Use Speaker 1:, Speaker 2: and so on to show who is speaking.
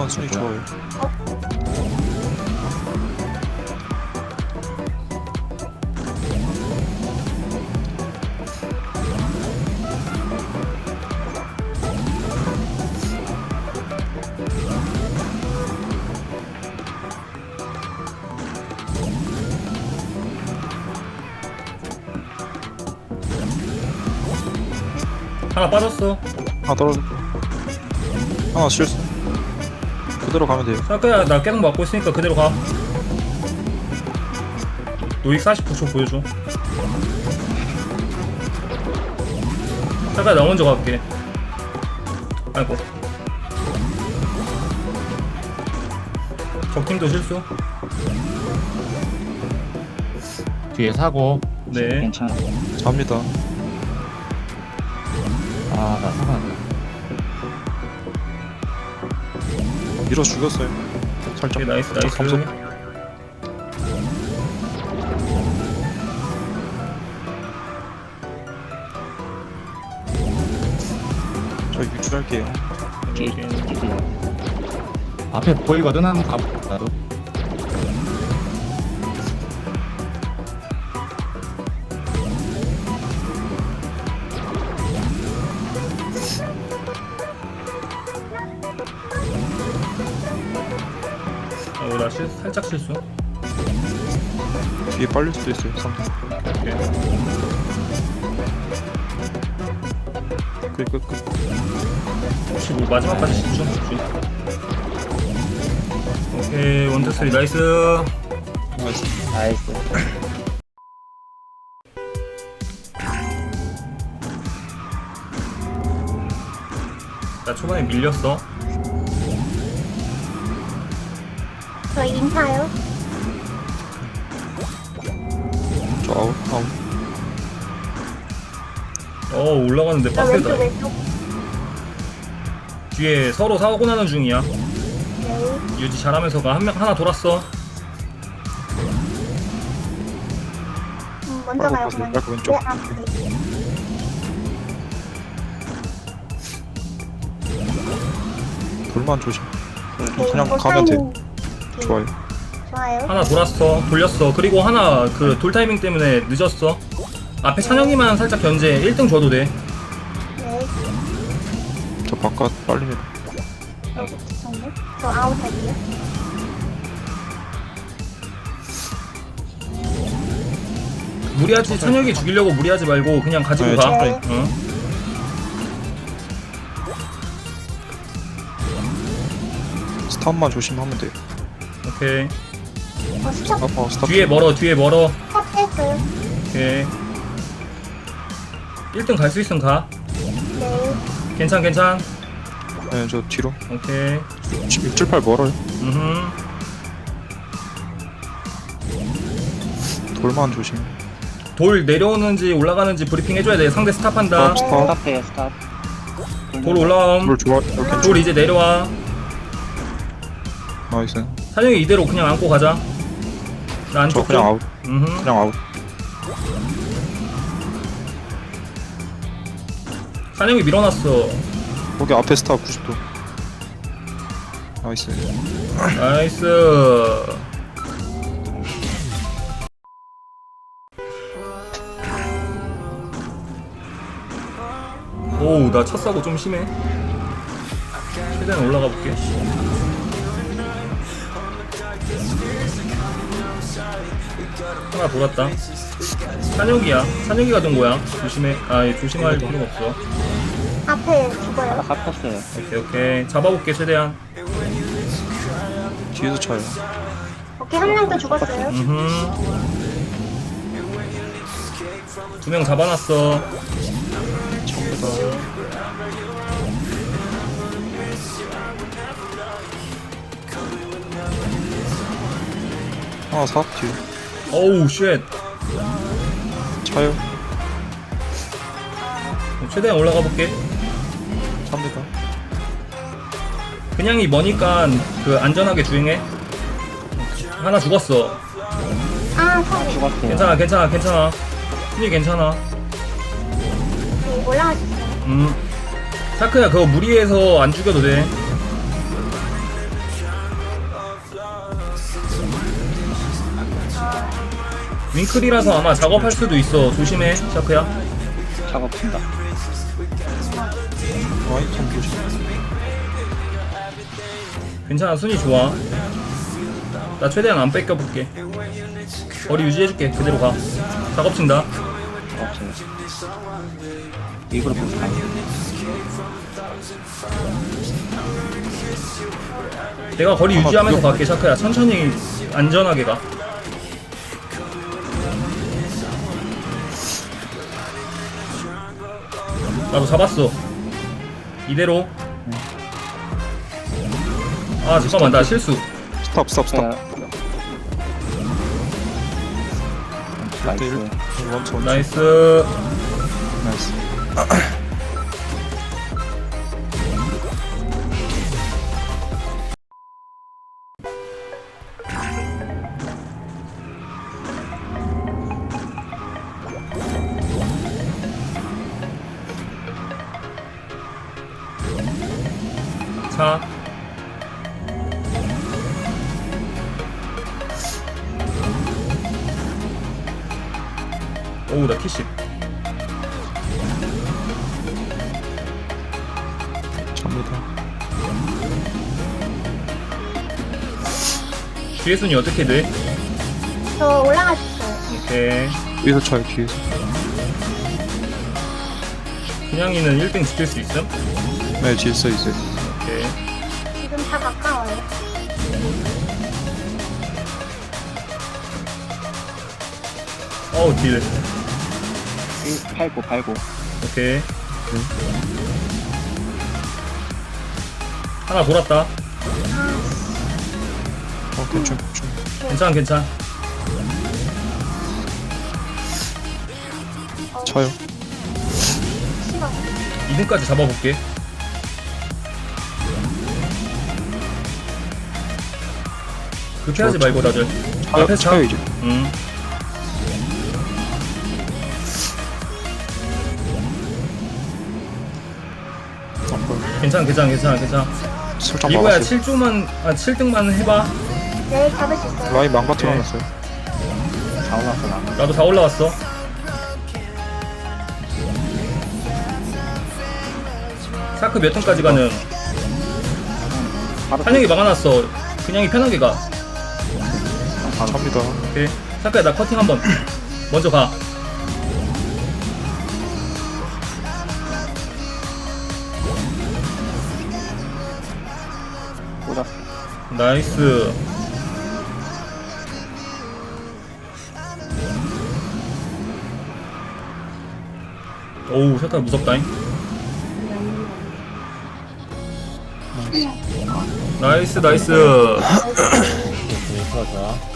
Speaker 1: 순위 좋아요.
Speaker 2: 하나 빠졌어.
Speaker 1: 하나 떨어져. 하나 실수. 그대로 가면 돼요.
Speaker 2: 사크야 나 계속 맞고 있으니까 그대로 가. 노익 49초 보여줘. 사크야 나 먼저 갈게. 아이고. 적팀도 실수.
Speaker 3: 뒤에 사고.
Speaker 2: 네.
Speaker 4: 괜찮아.
Speaker 1: 잡니다.
Speaker 4: 아, 나 사과한다.
Speaker 1: 밀어 죽였어요. 살짝.
Speaker 2: 오케이, 나이스
Speaker 1: 살짝 감속.
Speaker 2: 나이스.
Speaker 1: 저 유출할게요.
Speaker 4: 오케이.
Speaker 3: 앞에 보이거든, 한번 가볼까, 나도.
Speaker 2: 나 살짝 실수.
Speaker 1: 뒤에 빨릴 수도 있어요. 3등.
Speaker 2: 오케이.
Speaker 1: 끝.
Speaker 2: 혹시 뭐 마지막까지 집중. 오케이 원투 쓰리 나이스.
Speaker 1: 나이스.
Speaker 4: 나이스.
Speaker 2: 나 초반에 밀렸어.
Speaker 5: 저희 인사요.
Speaker 1: 저 아웃.
Speaker 2: 올라가는데
Speaker 5: 저
Speaker 2: 빡세다.
Speaker 5: 왼쪽 왼쪽.
Speaker 2: 뒤에 서로 사고 나는 중이야.
Speaker 5: 네.
Speaker 2: 유지 잘하면서 가. 하나 돌았어.
Speaker 5: 먼저 가요
Speaker 1: 빨리
Speaker 5: 그냥.
Speaker 1: 빨리 왼쪽.
Speaker 5: 네, 아, 네.
Speaker 1: 돌만 조심.
Speaker 5: 네,
Speaker 1: 그냥
Speaker 5: 이거
Speaker 1: 가면 돼.
Speaker 5: 사인- 네,
Speaker 1: 좋아요.
Speaker 5: 좋아요.
Speaker 2: 하나 돌렸어. 그리고 하나 그 돌 타이밍 때문에 늦었어. 앞에 찬영이만 살짝 견제 1등 줘도 돼.
Speaker 5: 네.
Speaker 1: 저 바깥 빨립니다.
Speaker 5: 죄송해요. 저 아웃 할게요.
Speaker 2: 무리하지 찬영이 죽이려고 무리하지 말고 그냥 가지고
Speaker 1: 네,
Speaker 2: 가.
Speaker 1: 천천히.
Speaker 2: 응.
Speaker 1: 스탑만 조심하면 돼요.
Speaker 2: 오케이.
Speaker 5: 스톱
Speaker 1: 스탑.
Speaker 2: 뒤에 멀어.
Speaker 5: 했어요.
Speaker 2: 오케이. 1등 갈 수 있으면 가.
Speaker 5: 네.
Speaker 2: 괜찮.
Speaker 1: 네, 저 뒤로.
Speaker 2: 오케이.
Speaker 1: 678 멀어요. 돌만 조심.
Speaker 2: 돌 내려오는지 올라가는지 브리핑 해줘야 돼. 상대 스탑한다.
Speaker 1: 스탑.
Speaker 4: 스탑해요, 스탑.
Speaker 2: 돌 올라옴.
Speaker 1: 돌 좋아. 이렇게
Speaker 2: 돌 이제 내려와.
Speaker 1: 나이스.
Speaker 2: 찬영이 이대로 그냥 안고 가자. 나
Speaker 1: 저
Speaker 2: 안쪽
Speaker 1: 그냥
Speaker 2: 좀.
Speaker 1: 아웃. 그냥 아웃.
Speaker 2: 찬영이 밀어놨어.
Speaker 1: 거기 앞에 스탑 90도. 나이스.
Speaker 2: 나이스. 오우 나 첫 사고 좀 심해. 최대한 올라가 볼게. 하나 돌았다. 찬혁이야. 찬혁이가 된 거야. 조심해. 조심할 필요가 없어.
Speaker 5: 앞에
Speaker 4: 나
Speaker 5: 죽어요.
Speaker 4: 갚았어요.
Speaker 2: 오케이. 잡아볼게 최대한.
Speaker 1: 뒤에서 차요.
Speaker 5: 오케이 한 명 더 죽었어요.
Speaker 2: 두 명 잡아놨어.
Speaker 1: 전부 다. 하나 사 뒤에.
Speaker 2: 어우 쉣.
Speaker 1: 차요.
Speaker 2: 최대한 올라가 볼게.
Speaker 1: 삽니다.
Speaker 2: 그냥이 머니까 그 안전하게 주행해. 하나 죽었어.
Speaker 5: 아 소리.
Speaker 4: 죽었어요.
Speaker 2: 괜찮아. 순위 괜찮아.
Speaker 5: 네, 올라가셨어요.
Speaker 2: 샤크야 그거 무리해서 안 죽여도 돼. 윙클이라서 아마 작업할 수도 있어. 조심해, 샤크야.
Speaker 4: 작업한다.
Speaker 1: 라인 참 조심.
Speaker 2: 괜찮아, 순위 좋아. 나 최대한 안 뺏겨볼게. 거리 유지해줄게. 그대로 가. 작업 친다.
Speaker 4: 작업해요. 일부러 볼까?
Speaker 2: 내가 거리 유지하면서 갈게, 샤크야. 천천히 안전하게 가. 나도 잡았어. 이대로. 아 잠깐만, 나 실수.
Speaker 1: 스탑 스탑 스탑.
Speaker 4: 나이스.
Speaker 1: 원천
Speaker 2: 나이스.
Speaker 1: 나이스.
Speaker 2: 자. 오우, 나 키십.
Speaker 1: 접니다.
Speaker 2: 뒤에 순위 어떻게 돼?
Speaker 5: 저 올라가셨어요.
Speaker 2: 오케이.
Speaker 1: 뒤에서 차요 뒤에서.
Speaker 2: 그냥이는 1등 지킬 수 있음?
Speaker 1: 네 뒤에서 이제.
Speaker 2: 오케이.
Speaker 5: 지금 다 가까워요.
Speaker 2: 어우, 딜.
Speaker 4: 89.
Speaker 2: 오케이. 하나 돌았다.
Speaker 1: 괜찮.
Speaker 2: 괜찮아, 괜찮아.
Speaker 1: 차요.
Speaker 5: 싫어.
Speaker 2: 2등까지 잡아볼게. 그렇게 하지 말고 다들.
Speaker 1: 차요
Speaker 2: 앞에서 차.
Speaker 1: 차요 이제.
Speaker 2: 괜찮아.
Speaker 1: 설정
Speaker 2: 이거야
Speaker 1: 막았어요.
Speaker 2: 7등만 해봐.
Speaker 5: 네, 잡을 수 있어요.
Speaker 1: 라인 망가뜨려 놨어요.
Speaker 4: 다 올라왔어 나.
Speaker 2: 나도 다 올라왔어. 사크 몇 등까지 가는?
Speaker 4: 바로
Speaker 2: 한영이 막아놨어. 그냥이 편하게 가.
Speaker 1: 차입니다.
Speaker 2: 오케이. 사크야, 나 커팅 한번. 먼저 가.
Speaker 4: 꽂았어.
Speaker 2: 나이스. 오우, 샤카 무섭다잉. 나이스.
Speaker 3: 좋아.